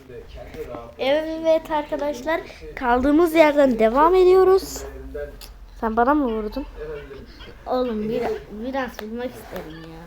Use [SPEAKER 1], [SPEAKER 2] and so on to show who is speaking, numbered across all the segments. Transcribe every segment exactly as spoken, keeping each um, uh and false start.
[SPEAKER 1] Evet arkadaşlar, kaldığımız yerden devam ediyoruz. Sen bana mı vurdun?
[SPEAKER 2] Oğlum bir, biraz vurmak isterim ya.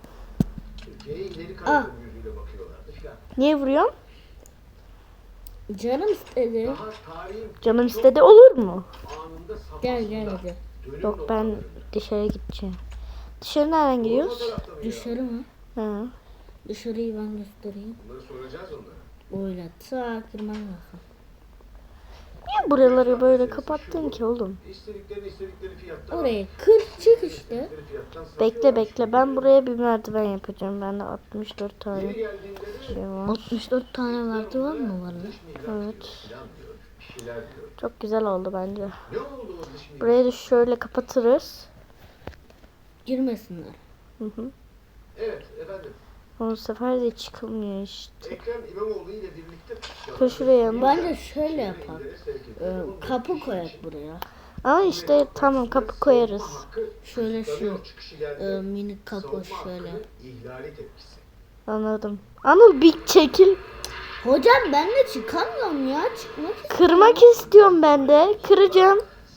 [SPEAKER 2] Ah.
[SPEAKER 1] Niye vuruyorsun?
[SPEAKER 2] Canım istedi.
[SPEAKER 1] Canım istedi, olur mu?
[SPEAKER 2] Gel gel hadi.
[SPEAKER 1] Yok, ben dışarı gideceğim. Dışarı nereden gidiyoruz?
[SPEAKER 2] Dışarı mı?
[SPEAKER 1] Hı.
[SPEAKER 2] Dışarıyı ben göstereyim. Öyle sağ kırman lazım.
[SPEAKER 1] Niye buraları böyle kapattın ki oğlum?
[SPEAKER 2] Oraya kır çık işte.
[SPEAKER 1] Bekle bekle, ben buraya bir merdiven yapacağım. Bende altmış dört tane şey var.
[SPEAKER 2] altmış dört tane merdiven mi var lan?
[SPEAKER 1] Evet. Çok güzel oldu bence. Burayı da şöyle kapatırız.
[SPEAKER 2] Girmesinler.
[SPEAKER 1] Hı hı.
[SPEAKER 3] Evet efendim.
[SPEAKER 1] Bu sefer de çıkılmıyor işte.
[SPEAKER 3] Ekrem İmamoğlu ile birlikte
[SPEAKER 1] Kır şuraya mı?
[SPEAKER 2] Bence şöyle yapalım. Ee, kapı koyak buraya.
[SPEAKER 1] Ama işte tamam, kapı koyarız.
[SPEAKER 2] Şöyle şu e, minik kapı şöyle.
[SPEAKER 3] ihlali tepkisi.
[SPEAKER 1] Anladım. Anıl bir çekil.
[SPEAKER 2] Hocam ben de çıkamıyorum ya. Çıkmak istiyorum.
[SPEAKER 1] Kırmak istiyorum ben de. Kıracağım.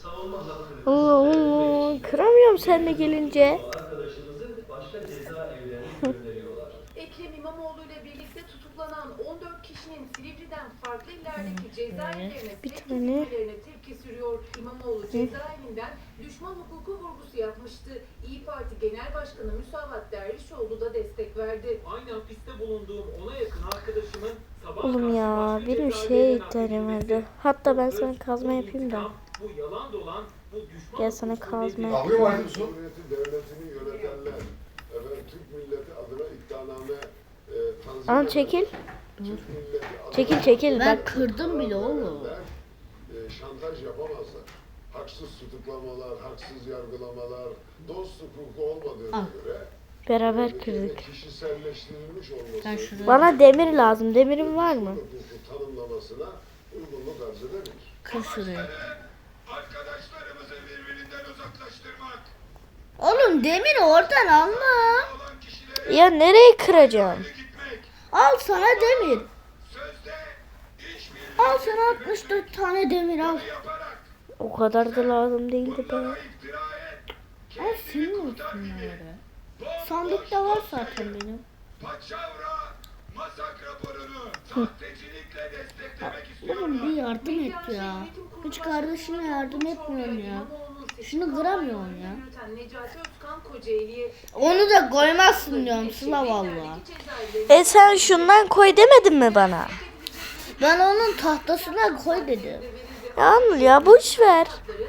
[SPEAKER 1] Oo, kıramıyorum seninle gelince.
[SPEAKER 4] Ekrem İmamoğlu ile birlikte tutuklanan on dört kişinin Silivri'den farklı illerdeki cezaevlerine
[SPEAKER 1] Bir
[SPEAKER 4] sevk
[SPEAKER 1] tane.
[SPEAKER 4] edilmelerine tepki sürüyor. İmamoğlu cezaevinden düşman hukuku vurgusu yapmıştı. İYİ Parti Genel Başkanı Müsavat Dervişoğlu da destek verdi.
[SPEAKER 5] Aynı hapiste bulunduğum ona yakın arkadaşımın sabah
[SPEAKER 1] Oğlum ya, benim şeye ihtiyacım vardı. Hatta ben sana kazma yapayım da.
[SPEAKER 5] Bu yalan dolan, bu düşman
[SPEAKER 1] Gel sana kazma yapayım.
[SPEAKER 3] Kavga var mısın? Cumhuriyeti devletini yönetenler, efendim Türk milleti adına iddianame e, tanzim
[SPEAKER 1] Anıl
[SPEAKER 3] eden,
[SPEAKER 1] çekil.
[SPEAKER 3] Türk milleti adına
[SPEAKER 1] Çekil çekil
[SPEAKER 2] Ben
[SPEAKER 1] bak.
[SPEAKER 2] kırdım bile oğlum.
[SPEAKER 3] e, şantaj yapamazlar. Haksız tutuklamalar, haksız yargılamalar, dost hukuku olmadığına
[SPEAKER 2] Al.
[SPEAKER 3] göre
[SPEAKER 1] Beraber
[SPEAKER 3] ülkenin
[SPEAKER 1] kırdık.
[SPEAKER 3] kişiselleştirilmiş olması
[SPEAKER 2] Ben şuraya
[SPEAKER 1] Bana demir lazım. Demirin var mı?
[SPEAKER 3] hukuku tanımlamasına uygunluk arz edebilir.
[SPEAKER 2] kır şuraya.
[SPEAKER 3] Arkadaşlarımızı birbirinden uzaklaştırmak,
[SPEAKER 2] Oğlum demir oradan alma.
[SPEAKER 3] olan kişilere
[SPEAKER 1] Ya nereye kıracağım?
[SPEAKER 3] gitmek,
[SPEAKER 2] Al sana demir.
[SPEAKER 3] sözde işbirliği
[SPEAKER 2] Al sana altmış dört tane demir al.
[SPEAKER 3] yaparak
[SPEAKER 1] O kadar da lazım değildi be.
[SPEAKER 3] iftira et,
[SPEAKER 2] Al senin olsun bunları. Sandıkta var zaten benim.
[SPEAKER 3] paçavra, masak raporunu sahtecilikle desteklemek istiyorlar.
[SPEAKER 2] Oğlum bir yardım et ya. Hiç kardeşine yardım etmiyorsun ya. Şunu kıramıyorsun ya.
[SPEAKER 4] Necati Özkan Kocaeli'ye
[SPEAKER 2] Onu da koymazsın diyorum Sıla valla.
[SPEAKER 1] E sen şundan koy demedin mi bana?
[SPEAKER 2] Ben onun tahtasına koy dedim.
[SPEAKER 1] Ya Anıl ya, boş ver.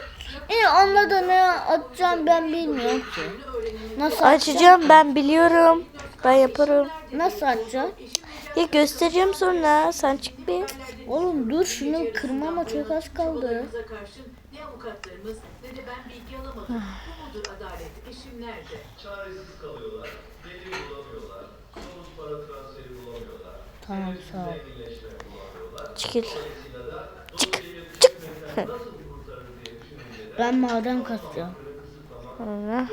[SPEAKER 2] E onunla da ne atacağım ben bilmiyorum ki. Nasıl atacağım?
[SPEAKER 1] Açacağım, ben biliyorum. Ben yaparım.
[SPEAKER 2] Nasıl atacağım?
[SPEAKER 1] Ya göstereceğim sonra. Sen çık bir.
[SPEAKER 2] Oğlum dur şunu kırmama çok az kaldı.
[SPEAKER 4] Bize karşı ne avukatlarımız ne de ben bilgi alamadım. Bu mudur adalet? Eşim nerede?
[SPEAKER 5] çaresiz kalıyorlar, delil bulamıyorlar, somut para transferi bulamıyorlar,
[SPEAKER 2] Tamam sağ ol.
[SPEAKER 5] zenginleşme bulamıyorlar.
[SPEAKER 1] Çekil.
[SPEAKER 5] Dolayısıyla da
[SPEAKER 1] Çık.
[SPEAKER 5] dolayı
[SPEAKER 1] Çık.
[SPEAKER 5] hükümetten nasıl kurtarır diye düşününce de
[SPEAKER 2] Ben maden kasacağım.
[SPEAKER 1] Sonra.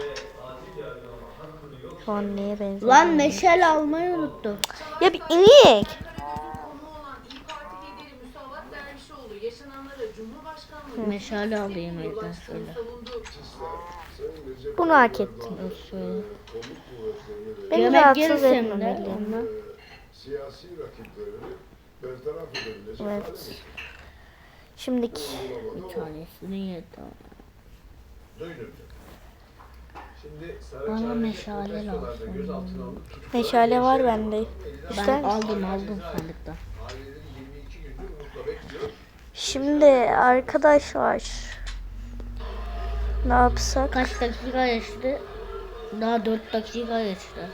[SPEAKER 1] Şu an neye benziyor?
[SPEAKER 2] Lan meşale almayı unuttum.
[SPEAKER 1] Ya bir inek.
[SPEAKER 4] Konu olan İYİ Parti lideri Müsavat Dervişoğlu yaşananlara Cumhurbaşkanlığı
[SPEAKER 2] Meşale alayım evden şöyle.
[SPEAKER 4] savundu.
[SPEAKER 3] Sayın Recep
[SPEAKER 1] Bunu hak ettim.
[SPEAKER 2] Şöyle.
[SPEAKER 3] kolluk kuvvetlerini ve
[SPEAKER 1] Beni
[SPEAKER 2] Yemek
[SPEAKER 1] rahatsız
[SPEAKER 2] gelirse mi de
[SPEAKER 1] etmemeli.
[SPEAKER 2] ondan?
[SPEAKER 3] siyasi rakiplerini bertaraf edebilecek
[SPEAKER 1] Evet.
[SPEAKER 3] hale getirdi.
[SPEAKER 1] Şimdiki.
[SPEAKER 2] Bir tanesini yedi.
[SPEAKER 3] Duydum.
[SPEAKER 5] Şimdi
[SPEAKER 2] Bana
[SPEAKER 5] Saraçhane'de
[SPEAKER 2] meşale
[SPEAKER 5] protestolarda
[SPEAKER 2] lazım.
[SPEAKER 5] gözaltına alınıp tutuklanan
[SPEAKER 1] Meşale var
[SPEAKER 5] gençlerin
[SPEAKER 1] bende.
[SPEAKER 5] olduğu
[SPEAKER 1] İster
[SPEAKER 2] Ben
[SPEAKER 1] misin?
[SPEAKER 2] aldım aldım sandıktan.
[SPEAKER 3] Aileleri yirmi iki gündür umutla bekliyor.
[SPEAKER 1] Şimdi arkadaşlar. Ne yapsak?
[SPEAKER 2] Kaç dakika geçti? Daha dört dakika geçti.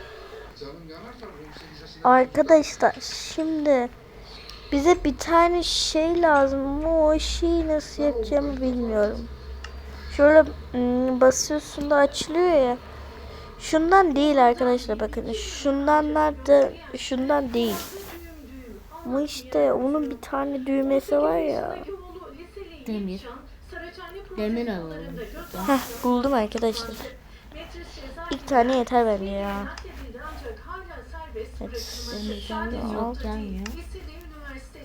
[SPEAKER 1] Arkadaşlar şimdi bize bir tane şey lazım ama o şeyi nasıl yapacağımı bilmiyorum. Şöyle ım, basıyorsun da açılıyor ya. Şundan değil arkadaşlar, bakın. Şundanlar da şundan değil. Ama işte onun bir tane düğmesi var ya.
[SPEAKER 2] Demir. Demir alalım.
[SPEAKER 1] Heh, buldum arkadaşlar. İlk tane yeter bence ya. Evet.
[SPEAKER 2] Demirden de yok gelmiyor.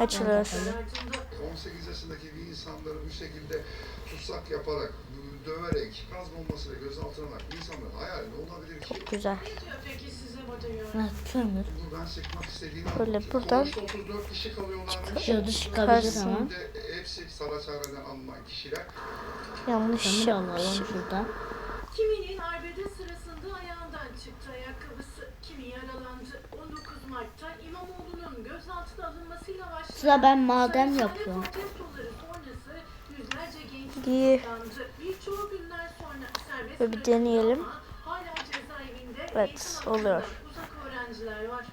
[SPEAKER 1] Açılır.
[SPEAKER 3] on sekiz yaşındaki bir insanları bu şekilde tutsak yaparak, döverek, gaz bombasıyla gözaltına alarak bir insanların hayali ne olabilir ki?
[SPEAKER 1] Çok güzel.
[SPEAKER 4] Peki size batıyor.
[SPEAKER 2] Ha, kömür.
[SPEAKER 3] Buradan çıkmak istediğini
[SPEAKER 1] Böyle
[SPEAKER 3] anlatıyor.
[SPEAKER 1] buradan
[SPEAKER 3] Sonuçta otuz dört kişi kalıyorlarmış.
[SPEAKER 2] Şurada çıkabilir
[SPEAKER 1] Çıkarsın.
[SPEAKER 2] ama.
[SPEAKER 3] Şimdi hepsi Saraçhane'den alınan kişiler.
[SPEAKER 1] Yanlış
[SPEAKER 2] Kömür alalım
[SPEAKER 1] yapmışım.
[SPEAKER 2] şuradan.
[SPEAKER 4] Kiminin arbede sırasında ayağından çıktı ayakkabısı, kimi yaralandı. on dokuz Mart'ta İmamoğlu'nun gözaltına alınmasıyla başlayan
[SPEAKER 2] Sıra ben maden
[SPEAKER 4] Saraçhane
[SPEAKER 2] yapıyorum.
[SPEAKER 4] protestoları sonrası yüzlerce genç
[SPEAKER 1] İyi.
[SPEAKER 4] tutuklandı. Birçoğu günler sonra serbest
[SPEAKER 1] Böyle bir
[SPEAKER 4] bırakıldı
[SPEAKER 1] deneyelim.
[SPEAKER 4] ama hala cezaevinde
[SPEAKER 1] Evet,
[SPEAKER 4] eğitim
[SPEAKER 1] oluyor.
[SPEAKER 4] hakkından uzak öğrenciler var.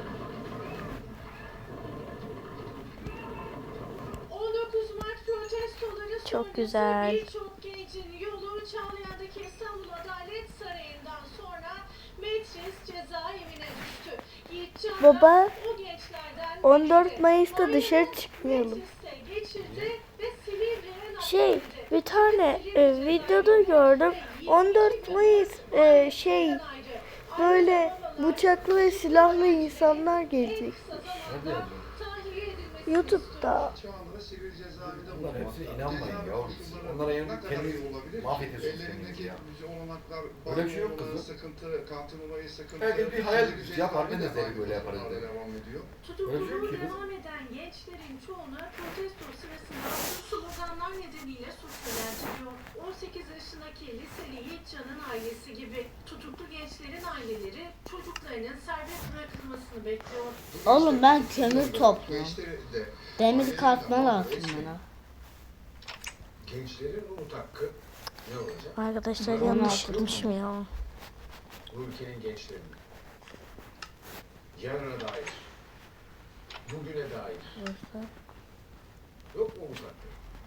[SPEAKER 4] on dokuz Mart protestoları
[SPEAKER 1] Çok
[SPEAKER 4] sonrası
[SPEAKER 1] güzel.
[SPEAKER 4] birçok gencin yolu Çağlayan'daki İstanbul Adalet Sarayı'ndan sonra Metris cezaevine düştü. Yiğit Çağlayan
[SPEAKER 1] Baba,
[SPEAKER 4] o gençlerden
[SPEAKER 1] on dört
[SPEAKER 4] biriydi.
[SPEAKER 1] Mayıs'ta
[SPEAKER 4] Ayını
[SPEAKER 1] dışarı çıkmayalım.
[SPEAKER 4] Metris'te geçirdi ve Silivri'ye
[SPEAKER 1] Şey,
[SPEAKER 4] nakledildi.
[SPEAKER 1] bir tane
[SPEAKER 4] Silivri
[SPEAKER 1] e, videoda
[SPEAKER 4] cezaevinde
[SPEAKER 1] gördüm.
[SPEAKER 4] yirmi
[SPEAKER 1] on
[SPEAKER 4] iki
[SPEAKER 1] dört
[SPEAKER 4] gün
[SPEAKER 1] Mayıs e,
[SPEAKER 4] ayrı
[SPEAKER 1] şey
[SPEAKER 4] ayrı.
[SPEAKER 1] böyle
[SPEAKER 4] Ayrı
[SPEAKER 1] bıçaklı ve silahlı insanlar gelecek.
[SPEAKER 4] en kısa zamanda tahliye edilmesini
[SPEAKER 1] YouTube'da.
[SPEAKER 3] Şu anda da sivil cezaevinde
[SPEAKER 6] Bunlar hepsine
[SPEAKER 3] bulunmakta.
[SPEAKER 6] inanmayın
[SPEAKER 3] Cezaevi
[SPEAKER 6] yavrum.
[SPEAKER 3] koşulları
[SPEAKER 6] Onlara yani
[SPEAKER 3] ne kadar
[SPEAKER 6] kendi
[SPEAKER 3] iyi olabilir ki?
[SPEAKER 6] mahvediyorsunuz
[SPEAKER 3] Ellerindeki
[SPEAKER 6] kendinizi ya.
[SPEAKER 3] olanaklar,
[SPEAKER 6] Öyle bir şey yok
[SPEAKER 3] banyo olanı
[SPEAKER 6] kızım.
[SPEAKER 3] sıkıntı, kantin olayı sıkıntı.
[SPEAKER 6] Herkes bir hayal
[SPEAKER 3] Sivil
[SPEAKER 6] yapar, ben de
[SPEAKER 3] cezaevi
[SPEAKER 6] zevk böyle yaparız
[SPEAKER 3] hala
[SPEAKER 6] dedi.
[SPEAKER 3] devam ediyor.
[SPEAKER 6] Öyle bir şey
[SPEAKER 4] Tutukluluğu
[SPEAKER 6] yok ki kız.
[SPEAKER 4] devam eden gençlerin çoğuna protesto sırasında attığı sloganlar nedeniyle suç yöneltiliyor. on sekiz yaşındaki liseli Yiğitcan'ın ailesi gibi tutuklu gençlerin aileleri çocuklarının serbest bırakılmasını bekliyor.
[SPEAKER 2] Oğlum ben kömür topluyorum.
[SPEAKER 3] Gençleri de-
[SPEAKER 2] Demir
[SPEAKER 3] aileleri
[SPEAKER 2] katma
[SPEAKER 3] de-
[SPEAKER 2] lazım bana.
[SPEAKER 7] Gençlerin umut hakkı ne olacak?
[SPEAKER 1] Arkadaşlar
[SPEAKER 2] on
[SPEAKER 1] yanlış
[SPEAKER 2] altı
[SPEAKER 1] yapmışım ya.
[SPEAKER 7] Bu ülkenin gençlerinin yarına dair, bugüne dair yok mu umut hakkı?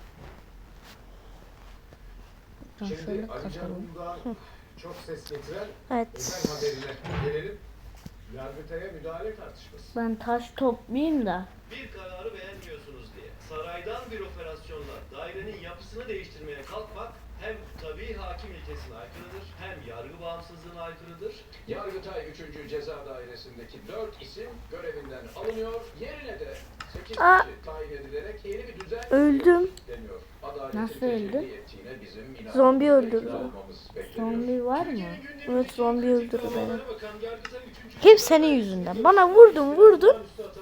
[SPEAKER 2] Ben şöyle
[SPEAKER 7] Şimdi Ali Can
[SPEAKER 2] kapatalım.
[SPEAKER 7] Uludağ'ın çok ses getiren
[SPEAKER 1] Evet.
[SPEAKER 7] özel haberine gelelim. Yargıtay'a müdahale tartışması.
[SPEAKER 2] Ben taş toplayayım da.
[SPEAKER 5] Bir kararı beğenmiyorsunuz diye saraydan bir operasyonla dairenin yapısını değiştirmeye kalkmak hem tabii hakim ilkesine aykırıdır hem yargı bağımsızlığına aykırıdır.
[SPEAKER 7] Yargıtay üçüncü Ceza Dairesi'ndeki dört isim görevinden alınıyor. Yerine de sekiz
[SPEAKER 1] Aa!
[SPEAKER 7] kişi tayin edilerek yeni bir düzen
[SPEAKER 1] Öldüm.
[SPEAKER 7] deniyor. Adaletin
[SPEAKER 2] Nasıl
[SPEAKER 7] tecelli
[SPEAKER 2] öldü?
[SPEAKER 7] ettiğine bizim inanmamız,
[SPEAKER 1] Zombi öldürdü.
[SPEAKER 7] ikna olmamız bekleniyor.
[SPEAKER 2] Zombi var mı?
[SPEAKER 1] Evet, zombi öldürdü beni.
[SPEAKER 5] Bakan Yargıtay üçüncü
[SPEAKER 1] Hep senin yüzünden. Bana vurdun vurdun.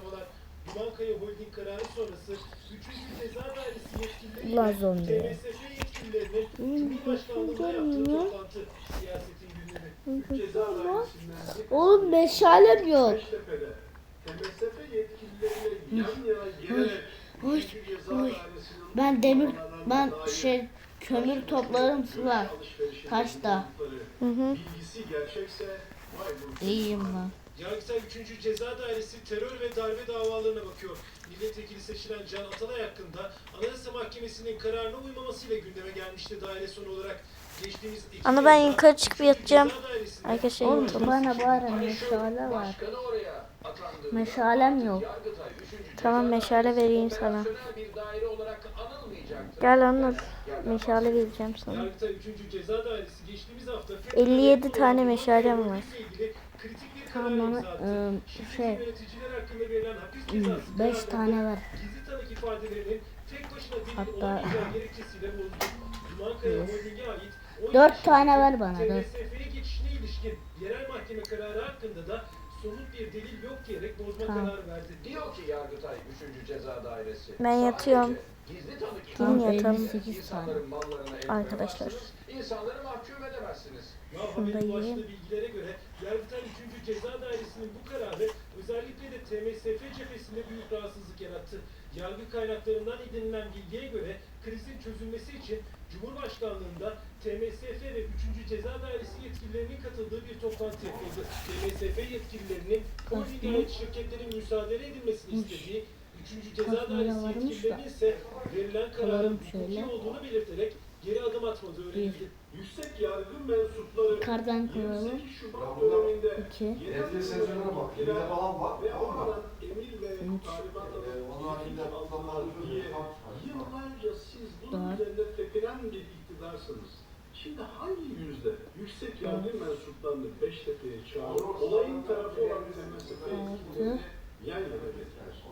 [SPEAKER 5] Bankaya holding kararı sonrası üçüncü Ceza Dairesi yetkilileri
[SPEAKER 2] Ulan zombi.
[SPEAKER 5] T M S F yetkililerinin Cumhurbaşkanlığında yaptığı toplantı siyasetin gündemi. Üç Ceza Dairesi'nden bir
[SPEAKER 2] Oğlum meşalem yok.
[SPEAKER 5] Beştepe'de T M S F yetkilileriyle yan yana gelerek
[SPEAKER 2] Oy,
[SPEAKER 5] üçüncü Ceza
[SPEAKER 2] oy.
[SPEAKER 5] Dairesi'nin
[SPEAKER 2] Ben demir,
[SPEAKER 5] uygulamalarına
[SPEAKER 2] ben
[SPEAKER 5] dair
[SPEAKER 2] şey kömür toplarım sular.
[SPEAKER 5] alışverişinde
[SPEAKER 2] Taşta.
[SPEAKER 5] bulundukları
[SPEAKER 1] Hı hı.
[SPEAKER 5] bilgisi gerçekse vay bu.
[SPEAKER 2] İyiyim ben.
[SPEAKER 5] Yargıtay üçüncü Ceza Dairesi terör ve darbe davalarına bakıyor. Milletvekili seçilen Can Atalay hakkında Anayasa Mahkemesi'nin kararına uymamasıyla gündeme gelmişti daire sonu olarak. Geçtiğimiz Ekim
[SPEAKER 1] Ana ben
[SPEAKER 5] ayında
[SPEAKER 1] yukarı çıkıp
[SPEAKER 5] üçüncü
[SPEAKER 1] yatacağım.
[SPEAKER 5] Ceza Dairesi'nde
[SPEAKER 1] Arkadaşlar
[SPEAKER 2] Oğlum
[SPEAKER 1] yatalım.
[SPEAKER 2] bana bari
[SPEAKER 7] Hani şu
[SPEAKER 2] meşale var.
[SPEAKER 7] başkanı oraya atandığında
[SPEAKER 2] Meşalem yok.
[SPEAKER 7] Yargıtay üçüncü
[SPEAKER 1] Tamam,
[SPEAKER 7] Ceza
[SPEAKER 1] meşale
[SPEAKER 7] Dairesi
[SPEAKER 1] vereyim sana.
[SPEAKER 7] operasyonel bir daire olarak anılmayacaktır.
[SPEAKER 1] Gel anlat. Meşale vereceğim sana.
[SPEAKER 5] Yargıtay üçüncü Ceza Dairesi geçtiğimiz hafta
[SPEAKER 1] elli yedi tane meşalem var.
[SPEAKER 5] kritik bir
[SPEAKER 2] Tamam
[SPEAKER 5] karar
[SPEAKER 2] bana
[SPEAKER 5] imza attı.
[SPEAKER 2] ıı,
[SPEAKER 5] Şirketin
[SPEAKER 2] şey
[SPEAKER 5] yöneticiler hakkında verilen hapis cezası
[SPEAKER 2] beş
[SPEAKER 5] kararlarında
[SPEAKER 2] tane var.
[SPEAKER 5] Gizli tanık ifadelerinin tek başına delil
[SPEAKER 2] Hatta-
[SPEAKER 5] olamayacağı gerekçesiyle bozuldu. Cumankaya Holding'e ait on
[SPEAKER 2] Dört
[SPEAKER 5] yedi
[SPEAKER 2] tane
[SPEAKER 5] şirketin
[SPEAKER 2] ver bana,
[SPEAKER 5] T M
[SPEAKER 2] dört.
[SPEAKER 5] S F'ye geçişine ilişkin yerel mahkeme kararı hakkında da somut bir delil yok diyerek bozma
[SPEAKER 2] Tamam.
[SPEAKER 5] kararı verdi.
[SPEAKER 7] Diyor ki Yargıtay üçüncü Ceza Dairesi.
[SPEAKER 1] Ben yatıyorum.
[SPEAKER 7] Sadece Gizli tanık
[SPEAKER 1] Tamam,
[SPEAKER 7] ifadelerinin
[SPEAKER 1] yatalım.
[SPEAKER 2] elli sekiz
[SPEAKER 7] insanların mallarına el
[SPEAKER 1] Arkadaşlar.
[SPEAKER 7] koyamazsınız, İnsanları mahkum edemezsiniz.
[SPEAKER 5] Ya
[SPEAKER 1] Şunu da
[SPEAKER 5] haberin
[SPEAKER 1] yiyeyim.
[SPEAKER 5] başlığı bilgilere göre Yargıtay üçüncü Ceza Dairesi'nin bu kararı özellikle de T M S F cephesinde büyük rahatsızlık yarattı. Yargı kaynaklarından edinilen bilgiye göre krizin çözülmesi için Cumhurbaşkanlığında T M S F ve üçüncü Ceza Dairesi yetkililerinin katıldığı bir toplantı yapıldı. T M S F yetkililerinin holdinge ait şirketlerin müsaade edilmesini istediği, üçüncü Ceza
[SPEAKER 2] Kasmaya
[SPEAKER 5] Dairesi
[SPEAKER 2] varmış da.
[SPEAKER 5] yetkililerinin ise verilen kararın
[SPEAKER 2] Alalım
[SPEAKER 5] hukuki
[SPEAKER 2] şöyle.
[SPEAKER 5] olduğunu belirterek geri adım atmadığı öğrenildi. Yüksek yargı mensupları
[SPEAKER 2] Yukarıdan koyalım.
[SPEAKER 5] yirmi sekiz Şubat döneminde
[SPEAKER 2] İki.
[SPEAKER 6] Evli sezonuna bak. Evde falan var.
[SPEAKER 5] ve
[SPEAKER 6] Ama
[SPEAKER 5] almadan emir ve
[SPEAKER 2] Üç.
[SPEAKER 5] talimat
[SPEAKER 6] e,
[SPEAKER 5] alıp
[SPEAKER 6] onlar
[SPEAKER 5] yetki
[SPEAKER 6] yine
[SPEAKER 5] aldılar
[SPEAKER 6] tutamaz,
[SPEAKER 5] diye
[SPEAKER 6] tutamaz.
[SPEAKER 5] yıllarca siz bunun
[SPEAKER 2] Dört.
[SPEAKER 5] üzerinde tepinen bir iktidarsınız. Şimdi hangi yüzde yüksek yargı mensuplarını Beştepe'ye çağırıp olayın tarafı olan T M S F yetkililerini yan yana getiriyorsunuz?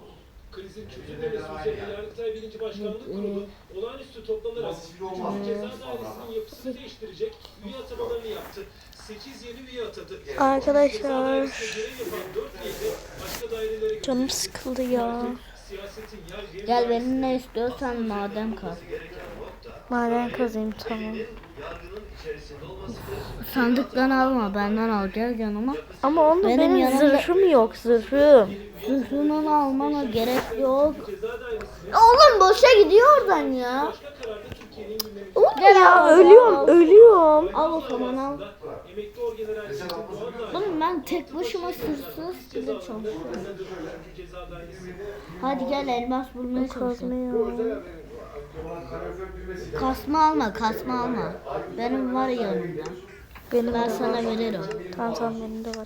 [SPEAKER 5] Krizin çözülmemesi üzerine Yargıtay birinci Başkanlık Kurulu olağanüstü toplanarak
[SPEAKER 6] Basit olmaz.
[SPEAKER 5] üçüncü Ceza Dairesi'nin yapısını değiştirecek üye atamalarını yaptı. sekiz yeni üye atadı.
[SPEAKER 1] Arkadaşlar,
[SPEAKER 5] Ceza Dairesi'nde görev yapan dört üye de başka dairelere götürüldü.
[SPEAKER 1] canım sıkıldı ya.
[SPEAKER 5] Siyasetin yargıya
[SPEAKER 2] Gel
[SPEAKER 5] müdahalesi-
[SPEAKER 2] benimle istiyorsan maden kaz.
[SPEAKER 1] Maden kazayım, tamam.
[SPEAKER 2] Sandıktan alma, benden al, gel yanıma.
[SPEAKER 1] Ama onda
[SPEAKER 2] Benim
[SPEAKER 1] benim,
[SPEAKER 2] yanımda-
[SPEAKER 1] zırhım yok, zırhım.
[SPEAKER 2] Zırhını almana gerek yok.
[SPEAKER 5] Ceza Dairesi'ne
[SPEAKER 2] Oğlum boşa gidiyor oradan ya.
[SPEAKER 5] başka kararda Türkiye'nin gündemi.
[SPEAKER 1] Oğlum ya, ölüyorum, ölüyorum.
[SPEAKER 2] Al o zaman al.
[SPEAKER 5] Emekli Orgeneral Zeki Doğan da
[SPEAKER 2] Oğlum ben tek başıma sırsız bile çok.
[SPEAKER 5] Ceza Dairesi.
[SPEAKER 2] Hadi gel elmas bulmaya çalışalım.
[SPEAKER 1] Kazmıyor.
[SPEAKER 2] Kasma alma, kasma alma. Benim var yanımda.
[SPEAKER 1] Benim
[SPEAKER 2] Ben
[SPEAKER 1] de
[SPEAKER 2] sana
[SPEAKER 1] var.
[SPEAKER 2] veririm.
[SPEAKER 1] Tamam tamam, benim de var.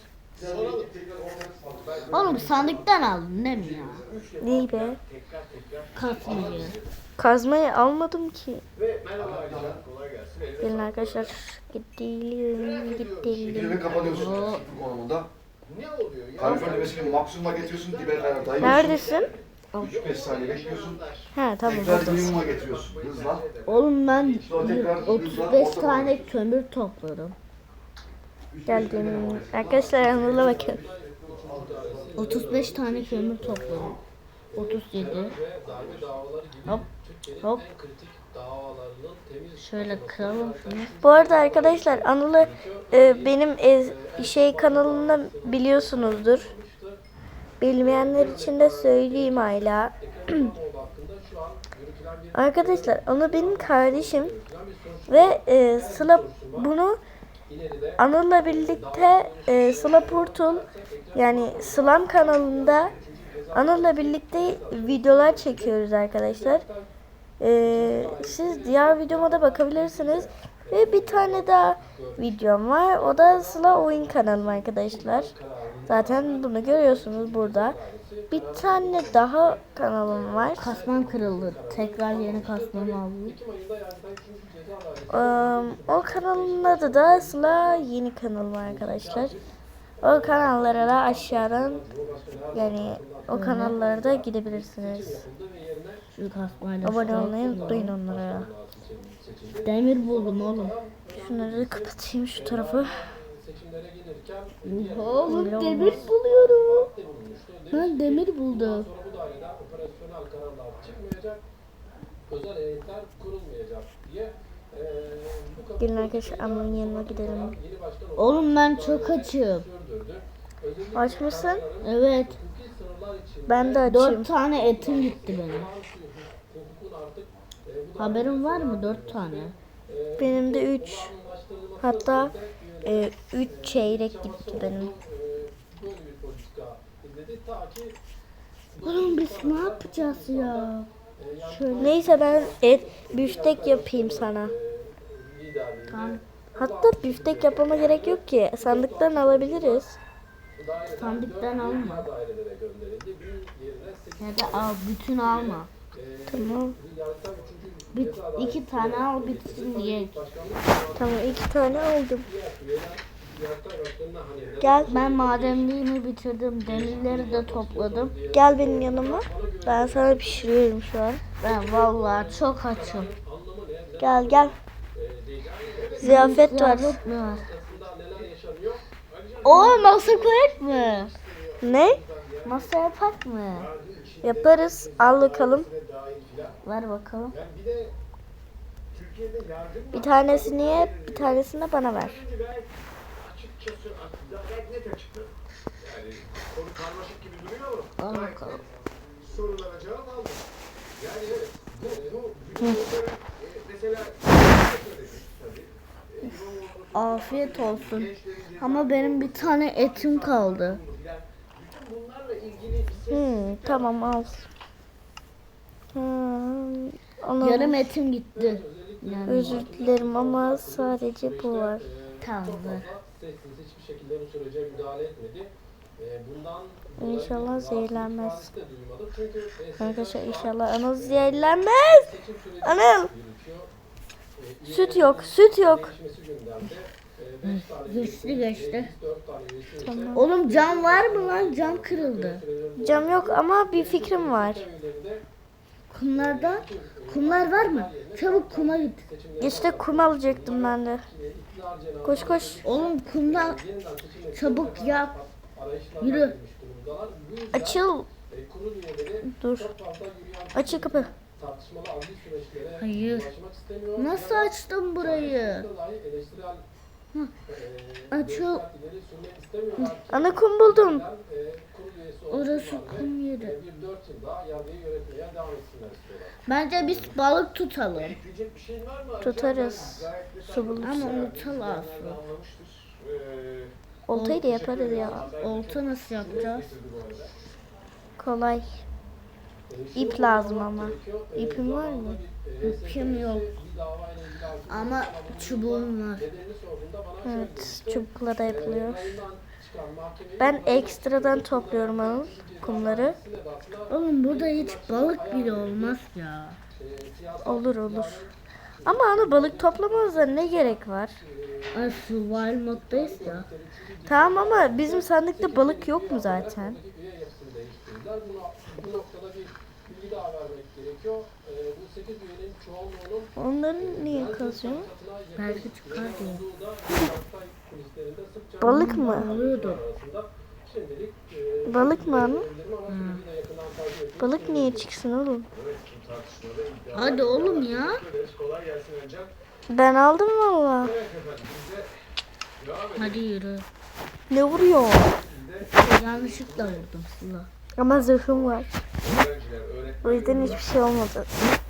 [SPEAKER 2] Oğlum sandıktan aldın değil mi ya?
[SPEAKER 1] Neyi be?
[SPEAKER 2] Kasmayı.
[SPEAKER 1] Kazmayı almadım ki.
[SPEAKER 7] Ve merhaba Alican, kolay gelsin.
[SPEAKER 1] Gelin arkadaşlar, gidelim,
[SPEAKER 6] Şekilde
[SPEAKER 1] gidelim.
[SPEAKER 6] kapatıyorsun sıfır konumunda.
[SPEAKER 7] Ne oluyor ya?
[SPEAKER 6] Kalorifer nefesini maksimuma getiriyorsun, dibe kadar dayıyorsun.
[SPEAKER 1] Neredesin?
[SPEAKER 6] üç beş saniye bekliyorsun.
[SPEAKER 1] He tamam,
[SPEAKER 6] Tekrar
[SPEAKER 1] buradasın.
[SPEAKER 6] minimuma getiriyorsun hızla.
[SPEAKER 2] Oğlum ben
[SPEAKER 6] Sonra tekrar
[SPEAKER 2] otuz beş tane kömür topladım.
[SPEAKER 1] Geldim. Arkadaşlar, Anıl'a bakın.
[SPEAKER 2] otuz beş tane kömür topladım. otuz yedi.
[SPEAKER 5] Ve darbe davaları gibi
[SPEAKER 2] Hop
[SPEAKER 5] Türkiye'nin
[SPEAKER 2] hop.
[SPEAKER 5] en kritik davalarının temiz
[SPEAKER 2] Şöyle kıralım şunu.
[SPEAKER 1] Bu arada arkadaşlar, Anıl'ı e, benim ez, şey kanalında biliyorsunuzdur. Bilmeyenler için de söyleyeyim hala.
[SPEAKER 5] hakkında şu an yürütülen bir
[SPEAKER 1] Arkadaşlar, Anıl benim kardeşim ve e, Sıla bunu Anıl'la birlikte e, Sıla Portal, yani Sılam kanalında Anıl'la birlikte videolar çekiyoruz arkadaşlar. E, siz diğer videoma da bakabilirsiniz. Ve bir tane daha videom var. O da Sıla Oyun kanalım arkadaşlar. Zaten bunu görüyorsunuz burada. Bir tane daha kanalım var.
[SPEAKER 2] Kasmam kırıldı. Tekrar yeni kasmamı aldım.
[SPEAKER 1] Ee, o kanalın adı da Sıla Yeni kanalım arkadaşlar. O kanallara da aşağıdan, yani o kanallara da gidebilirsiniz.
[SPEAKER 2] Şu kasmayla
[SPEAKER 1] Abone olmayı unutmayın onlara.
[SPEAKER 2] demir buldum oğlum.
[SPEAKER 1] Şunları da kapatayım, şu tarafı.
[SPEAKER 5] seçimlere gelirken
[SPEAKER 2] Oğlum demir buluyorum. Ben demir buldum.
[SPEAKER 5] sonra bu dairede operasyonel kararlar çıkmayacak, özel heyetler kurulmayacak diye eee bu kapı
[SPEAKER 1] Gelin arkadaşlar, Anıl'ın yanına gidelim.
[SPEAKER 5] yeni başkan
[SPEAKER 2] Oğlum ben çok açım.
[SPEAKER 5] sürdürdü. Özellikle
[SPEAKER 1] Aç mısın?
[SPEAKER 2] Evet.
[SPEAKER 5] hukuki sınırlar için
[SPEAKER 1] Ben de açayım.
[SPEAKER 2] Dört tane etim gitti benim.
[SPEAKER 5] hukukun artık eee bu
[SPEAKER 2] Haberin var mı? Dört tane.
[SPEAKER 1] Benim de üç. Hatta e, üç çeyrek gitti benim.
[SPEAKER 5] eee, böyle bir politika izledi ta ki
[SPEAKER 2] Oğlum biz ne yapacağız ya? Şöyle.
[SPEAKER 1] Neyse, ben et büftek yapayım sana.
[SPEAKER 5] liderliği
[SPEAKER 2] Tamam.
[SPEAKER 1] Hatta büftek yapmama gerek yok ki. Sandıktan alabiliriz.
[SPEAKER 2] Sandıktan alma.
[SPEAKER 5] dairelere gönderildi. Bir yerine sekiz
[SPEAKER 2] Ya da al bütün alma.
[SPEAKER 1] Tamam.
[SPEAKER 5] yargıtay üçüncü
[SPEAKER 2] Bir, iki tane al bitsin diye.
[SPEAKER 1] Tamam, iki tane aldım.
[SPEAKER 5] yargıtay başkanına hani
[SPEAKER 1] Gel,
[SPEAKER 2] Ben madenliğimi bitirdim. Demirleri de topladım.
[SPEAKER 1] gel benim yanıma. Ben sana pişiriyorum şu an.
[SPEAKER 2] Ben vallahi çok açım.
[SPEAKER 1] Gel gel. Ziyafet var.
[SPEAKER 2] Ziyafet mi var?
[SPEAKER 5] neler yaşanıyor?
[SPEAKER 2] Oo masa koyak mı?
[SPEAKER 1] Ne?
[SPEAKER 2] Masa yapak mı?
[SPEAKER 1] Yaparız. Al bakalım.
[SPEAKER 2] Ver bakalım.
[SPEAKER 5] Yani bir de Türkiye'de yargı
[SPEAKER 1] Bir tanesini ye, bir tanesini de bana ver.
[SPEAKER 7] Gayet açıkçası aslında gayet net açıkladı. Yani konu karmaşık gibi duruyor ama
[SPEAKER 2] Al
[SPEAKER 7] gayet
[SPEAKER 2] bakalım.
[SPEAKER 7] net sorulara cevap aldım. Yani evet, bu, bu bütün bunları, e, mesela söyledik tabii. E, İmamoğlu'nun
[SPEAKER 2] Afiyet olsun.
[SPEAKER 7] gençlerin
[SPEAKER 2] Ama benim bir tane etim kaldı.
[SPEAKER 7] filan, bütün bunlarla ilgili ses
[SPEAKER 1] Hmm, tamam, al. Hmm, onu
[SPEAKER 2] Yarım etim gitti. Yani
[SPEAKER 1] özür dilerim ama sadece bu var.
[SPEAKER 2] tamam. ver.
[SPEAKER 5] sessiz hiçbir şekilde bu sürece müdahale etmedi. Ee, Bundan
[SPEAKER 1] İnşallah zehirlenmez.
[SPEAKER 5] de duymadım. Çünkü e,
[SPEAKER 1] Arkadaşlar, inşallah Anıl zehirlenmez.
[SPEAKER 5] seçim süreci
[SPEAKER 1] Anıl.
[SPEAKER 5] yürütüyor. Ee,
[SPEAKER 1] Süt yok, süt yok.
[SPEAKER 5] Değişmesi gündemde.
[SPEAKER 7] e, beş tane
[SPEAKER 2] Geçti,
[SPEAKER 7] üyesi,
[SPEAKER 2] geçti.
[SPEAKER 7] e, biz dört tane üyesi ise,
[SPEAKER 1] Tamam.
[SPEAKER 2] Oğlum cam var mı lan? Cam kırıldı.
[SPEAKER 1] Cam yok ama bir fikrim var.
[SPEAKER 2] Kumlarda kumlar var mı? Çabuk kuma git.
[SPEAKER 1] İşte kum alacaktım ben de. Koş koş.
[SPEAKER 2] Oğlum kumda çabuk yap. Yürü.
[SPEAKER 1] Açıl. Dur. Açıl kapı.
[SPEAKER 2] Hayır. Nasıl açtım burayı? Hı. Açıl.
[SPEAKER 1] Ana kum buldum.
[SPEAKER 2] Orası kum yeri. Bence biz balık tutalım.
[SPEAKER 1] Tutarız. Su buluruz.
[SPEAKER 2] Ama unutalım.
[SPEAKER 1] Oltayı da yaparız ya.
[SPEAKER 2] Olta nasıl yapacağız?
[SPEAKER 1] Kolay. İp lazım ama. İpin var mı?
[SPEAKER 2] İpim yok. Ama çubuğum var.
[SPEAKER 1] Evet. Çubukla da yapılıyor. Ben ekstradan topluyorum Anıl kumları.
[SPEAKER 2] Oğlum burada hiç balık bile olmaz ya.
[SPEAKER 1] Olur olur. Ama Anıl balık toplamamıza ne gerek var?
[SPEAKER 2] Ay survival moddayız ya.
[SPEAKER 1] Tamam ama bizim sandıkta balık yok mu zaten?
[SPEAKER 7] Bu noktada bir bilgi daha vermek gerekiyor. Ee, bu sekiz üyenin çoğunluğunun
[SPEAKER 1] Onları niye kazıyor?
[SPEAKER 2] Belki çıkar diye.
[SPEAKER 7] olduğu da Galatasaray kulislerinde sıkça
[SPEAKER 1] Balık mı?
[SPEAKER 2] Oluyordu.
[SPEAKER 7] arasında şimdilik e,
[SPEAKER 1] Balık mı Anıl?
[SPEAKER 7] bildirim ama süreci de yakından takip ediyoruz.
[SPEAKER 1] Balık niye çıksın oğlum?
[SPEAKER 2] Hadi oğlum ya.
[SPEAKER 7] Kolay gelsin önce.
[SPEAKER 1] Ben aldım valla.
[SPEAKER 7] Evet efendim biz de devam edelim.
[SPEAKER 2] Hadi yürü.
[SPEAKER 1] Ne vuruyor?
[SPEAKER 2] Yanlışlıkla vurdum Sıla.
[SPEAKER 1] Ama zırhım var.
[SPEAKER 7] Öğrenciler, öğretmenler
[SPEAKER 1] O yüzden hiçbir şey olmadı.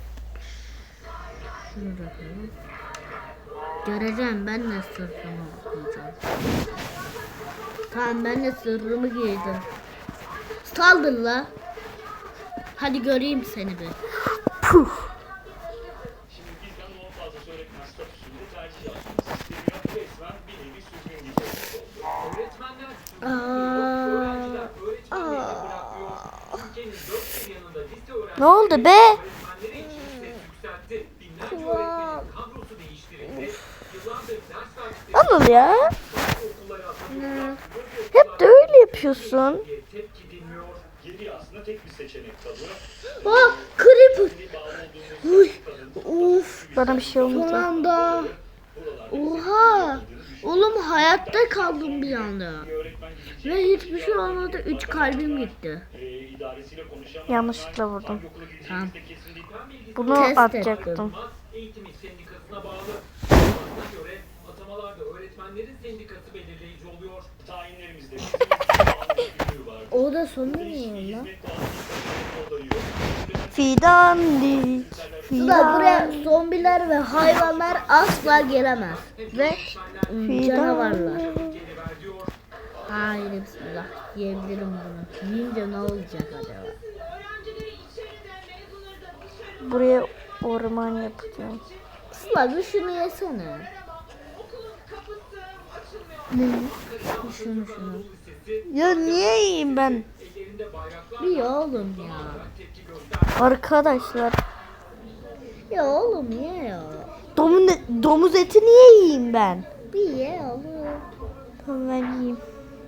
[SPEAKER 2] Şunu da koyalım. Göreceğim ben de sırrımı okuyacağım. Tamam ben de sırrımı giydim. Saldır la. Hadi göreyim seni bir.
[SPEAKER 1] Puh.
[SPEAKER 8] Şimdi bizden on fazlası öğretmen statüsünde tercih yapmak isteniyor. Resmen bir nevi sürgün gibi oldu.
[SPEAKER 4] Öğretmenler
[SPEAKER 2] Aa.
[SPEAKER 4] öğrenciler öğretmenlerini bırakıyor. Ülkenin dört bir yanında lise öğrencileri
[SPEAKER 1] Ne oldu be?
[SPEAKER 4] öğretmenleri için ses yükseltti. Binlerce öğretmenin kadrosu değiştirildi. Yıllardır ders saatleri
[SPEAKER 1] Anıl ya.
[SPEAKER 4] okullara atılıyor.
[SPEAKER 1] Hep de öyle yapıyorsun.
[SPEAKER 4] diye tepki dinmiyor.
[SPEAKER 8] Geriye aslında tek bir seçenek kalıyor.
[SPEAKER 2] Oh creeper.
[SPEAKER 8] Bir bağlı olduğumuz
[SPEAKER 2] Uy.
[SPEAKER 8] kadın
[SPEAKER 2] Uf.
[SPEAKER 1] Bana bir şey
[SPEAKER 2] Son
[SPEAKER 1] olmadı.
[SPEAKER 2] anda. Oha. Oğlum hayatta kaldım bir anda.
[SPEAKER 8] bir öğretmen gidecek.
[SPEAKER 2] Ve hiçbir şey olmadı. Üç kalbim gitti.
[SPEAKER 8] E, idaresiyle konuşan
[SPEAKER 1] Yanlışlıkla vurdum.
[SPEAKER 8] hangi okula gideceğimiz
[SPEAKER 2] Tamam.
[SPEAKER 8] de kesin değil.
[SPEAKER 4] Ben bilgisi
[SPEAKER 1] Bunu
[SPEAKER 2] Test
[SPEAKER 1] atacaktım.
[SPEAKER 4] Mas Eğitimi Sendikası'na bağlı. Buna göre atamalarda öğretmenlerin sendikası belirleyici oluyor.
[SPEAKER 8] Tayinlerimizde bizim bağlı bir günlüğü vardı.
[SPEAKER 2] O da sonu
[SPEAKER 8] Değişik
[SPEAKER 2] ne
[SPEAKER 8] bir
[SPEAKER 2] lan?
[SPEAKER 8] hizmet bağlı bir adayı yok.
[SPEAKER 1] Fidandik.
[SPEAKER 2] Sıla buraya
[SPEAKER 1] Fidan.
[SPEAKER 2] zombiler ve hayvanlar asla gelemez. Ve ım, canavarlar.
[SPEAKER 4] Geri ver diyor.
[SPEAKER 2] Hayır bismillah. Yiyebilirim bunu. Yiyince ne olacak acaba?
[SPEAKER 4] Öğrencileri içeride, mezunları da dışarı.
[SPEAKER 1] Buraya orman yapacağım.
[SPEAKER 2] Sıla bir şunu yesene.
[SPEAKER 4] Okulun kapısı açılmıyor.
[SPEAKER 1] Ne?
[SPEAKER 2] Şunu şunu.
[SPEAKER 1] Ya niye yiyeyim ben?
[SPEAKER 4] Ellerinde bayraklar
[SPEAKER 2] Bir ye oğlum ya.
[SPEAKER 4] tepki göster.
[SPEAKER 1] Arkadaşlar.
[SPEAKER 2] Ya oğlum ye ya.
[SPEAKER 1] Domuz, domuz eti niye yiyeyim ben?
[SPEAKER 2] Bir ye oğlum.
[SPEAKER 1] Tamam ben yiyeyim.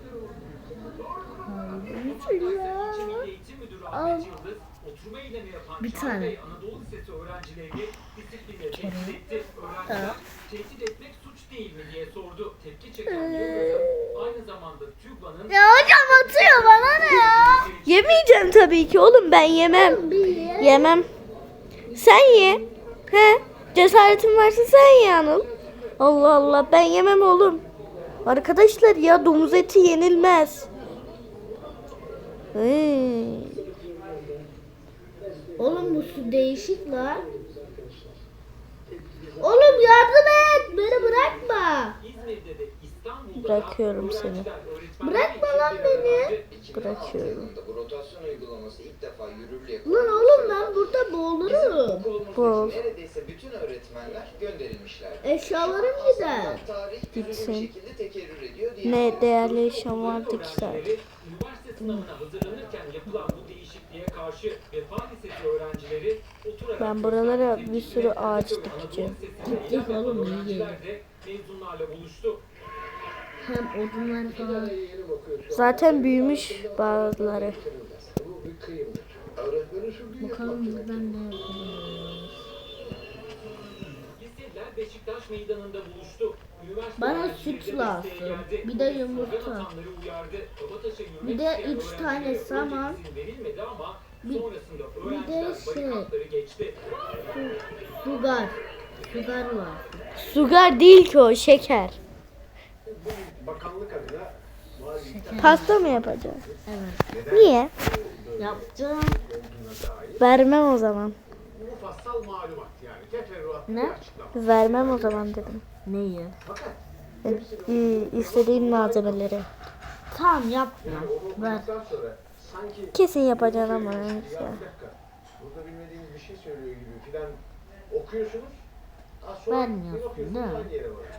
[SPEAKER 2] Hayır ya.
[SPEAKER 4] Milli Eğitim Müdürü
[SPEAKER 2] Al.
[SPEAKER 4] Ahmet Yıldız, oturma eylemi yapan
[SPEAKER 2] Bir
[SPEAKER 4] Çağrı
[SPEAKER 2] tane.
[SPEAKER 4] Bey Anadolu Lisesi öğrencilerini disiplinle tehdit etti. Öğrenciler tehdit etmek suç değil mi diye sordu. Tepki çeken Yıldız'ın aynı zamanda TÜGVA'nın
[SPEAKER 2] Ya hocam atıyor bana ne ya?
[SPEAKER 1] Yemeyeceğim tabii ki oğlum, ben yemem.
[SPEAKER 2] Bir ye.
[SPEAKER 1] Yemem. Sen ye. He? Cesaretin varsa sen ye Anıl. Allah Allah, ben yemem oğlum. Arkadaşlar ya, domuz eti yenilmez. Hıı.
[SPEAKER 2] Oğlum bu su değişik lan. Oğlum yardım et. Beni bırakma.
[SPEAKER 4] İzmir'de de İstanbul'da
[SPEAKER 1] Bırakıyorum seni.
[SPEAKER 2] Bırakma lan beni.
[SPEAKER 1] Bırakıyorum.
[SPEAKER 9] Bu rotasyon uygulaması ilk defa yürürlüğe
[SPEAKER 2] Lan oğlum ben burada boğulurum.
[SPEAKER 1] Bol.
[SPEAKER 9] neredeyse bütün öğretmenler gönderilmişler.
[SPEAKER 2] Eşyalarım gider.
[SPEAKER 9] Tarih
[SPEAKER 1] Gitsin.
[SPEAKER 9] bir şekilde tekerrür ediyor diye.
[SPEAKER 1] Ne değerli eşyam vardı ki zaten.
[SPEAKER 4] Öğrencileri üniversite sınavına hazırlanırken yapılan bu değişikliğe karşı Vefa Lisesi öğrencileri oturarak
[SPEAKER 1] Ben buralara
[SPEAKER 4] gösteri
[SPEAKER 1] bir sürü
[SPEAKER 4] tepkilerini
[SPEAKER 1] ağaç
[SPEAKER 4] Anadolu
[SPEAKER 1] dikeceğim.
[SPEAKER 4] Lisesi'nde
[SPEAKER 2] Diktik oğlum, iyi
[SPEAKER 4] öğrenciler de mezunlarla buluştu.
[SPEAKER 2] Hem odunları falan.
[SPEAKER 7] Yeni bakıyor şu an.
[SPEAKER 1] Zaten büyümüş bazıları.
[SPEAKER 7] Bu bir kıyımdır. Öğretmenin şu bir
[SPEAKER 2] Bakalım buradan ne yapabiliriz.
[SPEAKER 5] Liseliler Beşiktaş meydanında buluştu. Üniversite
[SPEAKER 2] Bana
[SPEAKER 5] öğrencileri
[SPEAKER 2] süt
[SPEAKER 5] de
[SPEAKER 2] lazım.
[SPEAKER 5] desteğe geldi.
[SPEAKER 2] Bir de
[SPEAKER 5] Polis
[SPEAKER 2] yumurta.
[SPEAKER 5] slogan atanları uyardı. Kabataş'a yürümek
[SPEAKER 2] Bir de
[SPEAKER 5] isteyen
[SPEAKER 2] üç tane
[SPEAKER 5] öğrencilere
[SPEAKER 2] saman.
[SPEAKER 5] önce izin verilmedi ama
[SPEAKER 2] Bir-
[SPEAKER 5] sonrasında
[SPEAKER 2] bir de
[SPEAKER 5] öğrenciler
[SPEAKER 2] şey.
[SPEAKER 5] barikatları geçti.
[SPEAKER 2] Sugar. Sugar var.
[SPEAKER 1] Sugar değil ki o, şeker.
[SPEAKER 7] bu bakanlık adına valilikten
[SPEAKER 1] Pasta mı yapacağız?
[SPEAKER 2] Evet.
[SPEAKER 1] Niye?
[SPEAKER 2] Yapacağım.
[SPEAKER 7] olduğuna dair
[SPEAKER 1] Vermem o zaman.
[SPEAKER 7] mufassal malumat yani teferruatlı
[SPEAKER 2] Ne?
[SPEAKER 7] bir açıklama.
[SPEAKER 1] Vermem o zaman dedim.
[SPEAKER 2] Neyi?
[SPEAKER 7] Fakat
[SPEAKER 1] İ- İstediğim malzemeleri.
[SPEAKER 2] Tamam yapma.
[SPEAKER 7] onu
[SPEAKER 2] Ver.
[SPEAKER 7] okuduktan sonra sanki
[SPEAKER 1] Kesin yapacaksın ama
[SPEAKER 7] ya
[SPEAKER 1] neyse.
[SPEAKER 7] bir dakika burada bilmediğiniz bir şey söylüyor gibi filan okuyorsunuz. Az sonra
[SPEAKER 2] Vermiyorsun,
[SPEAKER 7] bir bakıyorsunuz
[SPEAKER 2] değil mi?
[SPEAKER 7] aynı yere varıyor.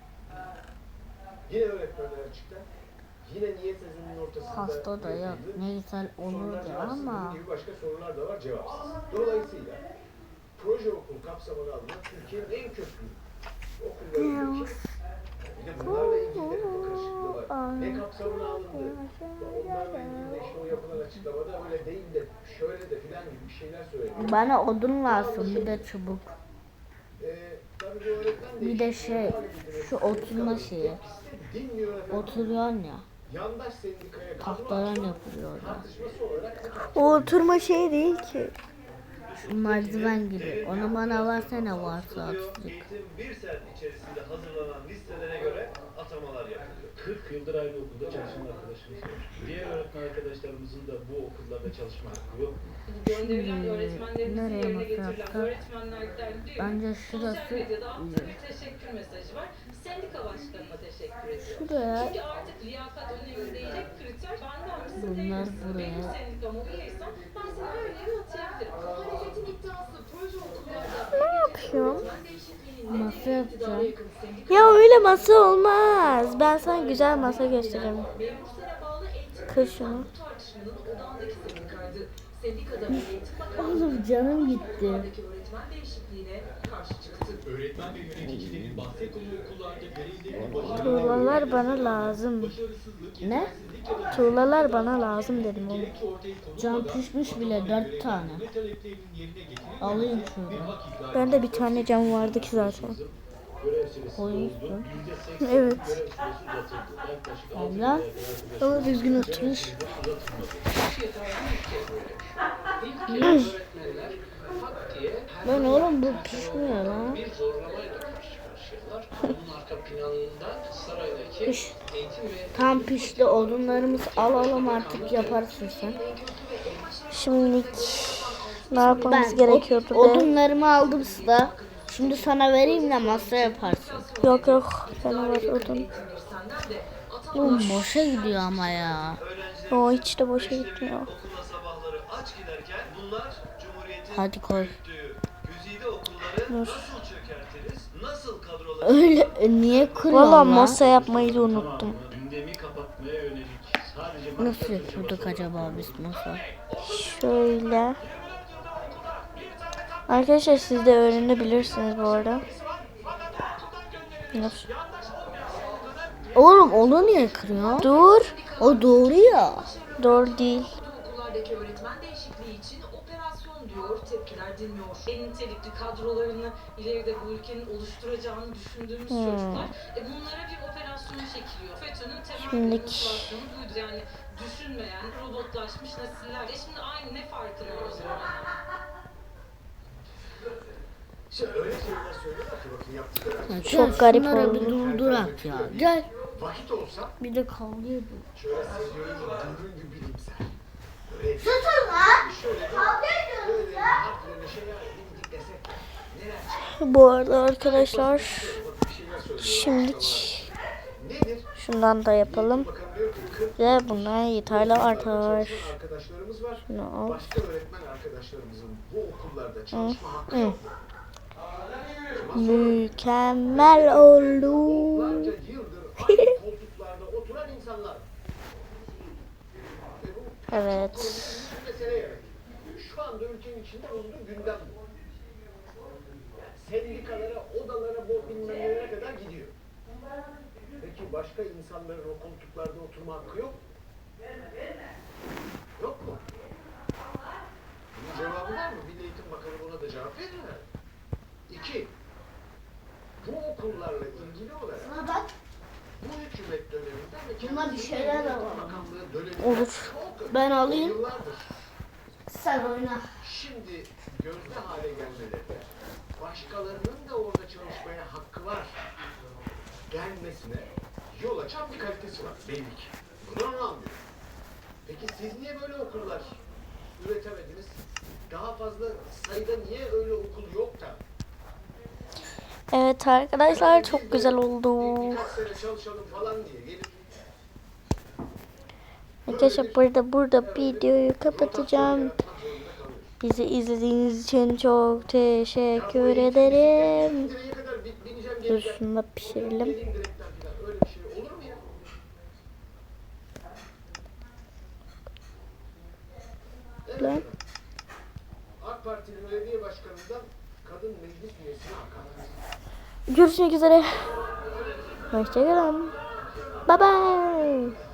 [SPEAKER 7] Yine öğretmenler açıkta. Yine niye sözünün ortasında
[SPEAKER 2] Pasta da yok.
[SPEAKER 7] yazıldı.
[SPEAKER 2] Ne güzel
[SPEAKER 7] Sorular
[SPEAKER 2] olurdu
[SPEAKER 7] cevapsız.
[SPEAKER 2] ama.
[SPEAKER 7] Bunun gibi başka sorular da var cevapsız. Dolayısıyla proje okul kapsamına alınan Türkiye'nin en köklü okullarındaki bir de bunlarla ilgili de bir karışıklığı var. Ne kapsamına alındı? Onlarla ilgili de işte o yapılan açıklamada öyle değil de şöyle de filan gibi bir şeyler söyleniyor.
[SPEAKER 2] Bana odun lazım. Bir de çubuk.
[SPEAKER 7] Ee, tabii bu öğretmen
[SPEAKER 2] Bir de şey. Şu oturma şeyi.
[SPEAKER 7] dinliyor efendim.
[SPEAKER 2] Oturuyorsun ya.
[SPEAKER 7] Yandaş sendikaya
[SPEAKER 2] Tahtadan yapılıyor orada.
[SPEAKER 7] tartışması olarak
[SPEAKER 1] O oturma şey değil ki.
[SPEAKER 2] Şu merdiven gibi. Onu bana versene varsa azıcık.
[SPEAKER 10] Eğitim bir sene içerisinde hazırlanan listelere göre atamalar yapılıyor.
[SPEAKER 5] kırk yıldır aynı okulda çalışan arkadaşımız var. Diğer öğretmen arkadaşlarımızın da bu okullarda çalışma hakkı yok.
[SPEAKER 4] Gönderilen öğretmenlerimizin
[SPEAKER 2] nereye
[SPEAKER 4] yerine
[SPEAKER 2] masraf
[SPEAKER 4] getirilen
[SPEAKER 2] yapsak?
[SPEAKER 4] öğretmenlerden diyor.
[SPEAKER 2] Bence
[SPEAKER 4] Sosyal
[SPEAKER 2] şurası
[SPEAKER 4] medyada attığı
[SPEAKER 2] iyi.
[SPEAKER 4] bir teşekkür mesajı var. Sendika başkanına teşekkür ediyor.
[SPEAKER 2] Şuraya.
[SPEAKER 4] Çünkü artık liyakat önemli değil. Tek kriter benden misin değil
[SPEAKER 2] Bunlar
[SPEAKER 4] misin?
[SPEAKER 2] buraya.
[SPEAKER 4] Benim sendikama üyeysen ben seni her yere atayabilirim. Muhalefetin iddiası proje okullarda
[SPEAKER 1] Ne yapıyorsun?
[SPEAKER 4] öğretmen değişikliğinin
[SPEAKER 2] Masa
[SPEAKER 4] nedeni iktidara
[SPEAKER 2] yapacağım.
[SPEAKER 4] yakın sendika.
[SPEAKER 1] Ya öyle masa olmaz. Ben sana güzel masa göstereyim.
[SPEAKER 4] Memur sene bağlı eğitim
[SPEAKER 1] Kır şunu.
[SPEAKER 4] bu tartışmanın odağındaki sendikaydı. Sendikada Eğitim Bakanlığı
[SPEAKER 2] Oğlum canım gitti.
[SPEAKER 4] okullardaki öğretmen değişikliğine karşı çıktı.
[SPEAKER 5] Öğretmen ve yöneticilerin bahsettiği okullarda görevlerini başarılı
[SPEAKER 1] Tuğlalar bana lazım.
[SPEAKER 5] başarısızlık,
[SPEAKER 2] Ne?
[SPEAKER 5] yetersizlik ya da
[SPEAKER 1] Tuğlalar bana lazım dedim oğlum.
[SPEAKER 5] gerekçe ortaya konulmadan
[SPEAKER 2] Cam pişmiş bile dört tane.
[SPEAKER 5] ne taleplerinin yerine getirilmesi
[SPEAKER 2] Alayım
[SPEAKER 5] bir
[SPEAKER 2] şuradan.
[SPEAKER 5] hak ihlali.
[SPEAKER 1] Bende bir tane cam vardı ki zaten.
[SPEAKER 5] Görev süresi
[SPEAKER 2] Koymuşsun.
[SPEAKER 5] doldu. yüzde seksen
[SPEAKER 1] Evet.
[SPEAKER 5] görev süresi uzatıldı. Yaklaşık altı
[SPEAKER 2] Allah.
[SPEAKER 5] yıla kadar
[SPEAKER 1] Ama düzgün oturmuş.
[SPEAKER 7] öğretmenler hak diye her
[SPEAKER 2] Lan oğlum bu pişmiyor lan.
[SPEAKER 7] bir zorlamayla karşı karşıyalar. Bunun arka planında saraydaki
[SPEAKER 2] Piş.
[SPEAKER 7] eğitim ve
[SPEAKER 2] Tam pişti odunlarımızı alalım artık yaparsın sen.
[SPEAKER 1] Şimdi ne yapmamız
[SPEAKER 2] Ben
[SPEAKER 1] gerekiyordu
[SPEAKER 2] od-
[SPEAKER 1] be?
[SPEAKER 2] odunlarımı aldım size. Şimdi sana vereyim de masa yaparsın.
[SPEAKER 1] Yok yok. Bana var odun.
[SPEAKER 2] Oğlum boşa gidiyor ama ya.
[SPEAKER 1] O hiç de boşa gitmiyor.
[SPEAKER 10] Okula sabahları aç giderken bunlar Cumhuriyet'in
[SPEAKER 2] Hadi koy.
[SPEAKER 10] yürüttüğü güzide okulları
[SPEAKER 1] Dur.
[SPEAKER 10] nasıl çökertiriz, nasıl kadroları
[SPEAKER 2] Öyle e, niye kırıyorsun
[SPEAKER 1] Valla
[SPEAKER 2] lan?
[SPEAKER 1] masa yapmayı da unuttum.
[SPEAKER 5] Tamamı gündemi kapatmaya yönelik sadece
[SPEAKER 2] Nasıl yapıyorduk acaba biz masa?
[SPEAKER 1] Şöyle. Arkadaşlar siz de öğrenebilirsiniz bu arada. Dur.
[SPEAKER 2] Oğlum onu niye kırıyor?
[SPEAKER 1] Dur.
[SPEAKER 2] O doğru ya.
[SPEAKER 1] Doğru değil.
[SPEAKER 4] Okullardaki öğretmen değişikliği için operasyon diyor, tepkiler dinmiyor. En nitelikli kadrolarını ileride bu ülkenin oluşturacağını düşündüğümüz
[SPEAKER 1] Hmm.
[SPEAKER 4] çocuklar, e bunlara bir operasyon çekiliyor. FETÖ'nün temel
[SPEAKER 1] Şimdilik-
[SPEAKER 4] motivasyonu buydu yani düşünmeyen, robotlaşmış nesiller. E şimdi aynı ne farkı var o zaman?
[SPEAKER 7] işte öyle şeyler söylüyorlar ki bakın yaptıkları.
[SPEAKER 1] Çok
[SPEAKER 2] Gel
[SPEAKER 1] garip
[SPEAKER 2] şunlara bir
[SPEAKER 1] oldu.
[SPEAKER 2] durdurak ya. Gel.
[SPEAKER 7] Vakit olsa
[SPEAKER 2] Bir de kavga ediyor.
[SPEAKER 7] şöyle seviyorum dürbün gibi bilimsel. Böyle Susun lan! Şöyle böyle harflerini şey dindik desek neler
[SPEAKER 1] Bu arada arkadaşlar
[SPEAKER 7] bir şeyler söylüyor.
[SPEAKER 1] şimdilik
[SPEAKER 7] Nedir?
[SPEAKER 1] şundan da yapalım.
[SPEAKER 7] Bakalım diyor ki kırk
[SPEAKER 1] Ve bunlar yeterli artar.
[SPEAKER 7] çalışan arkadaşlarımız var.
[SPEAKER 1] Şunu al.
[SPEAKER 7] Başka öğretmen arkadaşlarımızın bu okullarda çalışma hakkı yok.
[SPEAKER 1] Mükemmel oldu.
[SPEAKER 7] Onlarca yıldır aynı koltuklarda oturan insanlar. Ve bu
[SPEAKER 1] Evet.
[SPEAKER 7] bir mesele yani. Şu anda ülkenin içinde bulunduğu gündem bu. Yani sendikalara, odalara, bu bilmem nelere kadar gidiyor. Peki başka insanların o koltuklarda oturma hakkı yok mu? Yok mu? Bunun cevabı var mı? Milli Eğitim Bakanı buna da cevap verir mi? İki, bu okullarla ilgili olarak
[SPEAKER 2] Buna bak.
[SPEAKER 7] bu hükümet döneminde ve
[SPEAKER 2] Bunda bir
[SPEAKER 7] kendisi
[SPEAKER 2] şeyler de
[SPEAKER 7] Milli Eğitim
[SPEAKER 2] var.
[SPEAKER 7] Bakanlığı döneminde
[SPEAKER 1] Olur.
[SPEAKER 7] çok
[SPEAKER 2] Ben alayım.
[SPEAKER 7] yıllardır
[SPEAKER 2] Sen oyna.
[SPEAKER 7] şimdi gözde hale gelmelerinde başkalarının da orada çalışmaya hakkı var gelmesine yol açan bir kalitesi var belli ki. Bunu anlamıyorum. Peki siz niye böyle okullar üretemediniz? Daha fazla sayıda niye öyle okul yok da?
[SPEAKER 1] Evet arkadaşlar
[SPEAKER 7] Yani biz
[SPEAKER 1] çok
[SPEAKER 7] de
[SPEAKER 1] güzel
[SPEAKER 7] bir-
[SPEAKER 1] oldu.
[SPEAKER 7] Birkaç sene çalışalım falan diye gelip
[SPEAKER 1] Arkadaşlar burada burada videoyu
[SPEAKER 7] rotasyon
[SPEAKER 1] kapatacağım.
[SPEAKER 7] yaratmak zorunda kalıyoruz.
[SPEAKER 1] Bizi izlediğiniz için çok teşekkür
[SPEAKER 7] Ya bu eğitim
[SPEAKER 1] ederim.
[SPEAKER 7] bisikletine direğe kadar bi- bineceğim,
[SPEAKER 1] Dur
[SPEAKER 7] geleceğim.
[SPEAKER 1] şunu da pişirelim.
[SPEAKER 7] Geleyim direkten falan. Öyle bir şey olur mu ya? Evet.
[SPEAKER 1] Lan.
[SPEAKER 7] AK Parti'nin belediye başkanından kadın meclis üyesine hakaret.
[SPEAKER 1] Görüşmek üzere. Hoşçakalın. Bye bye.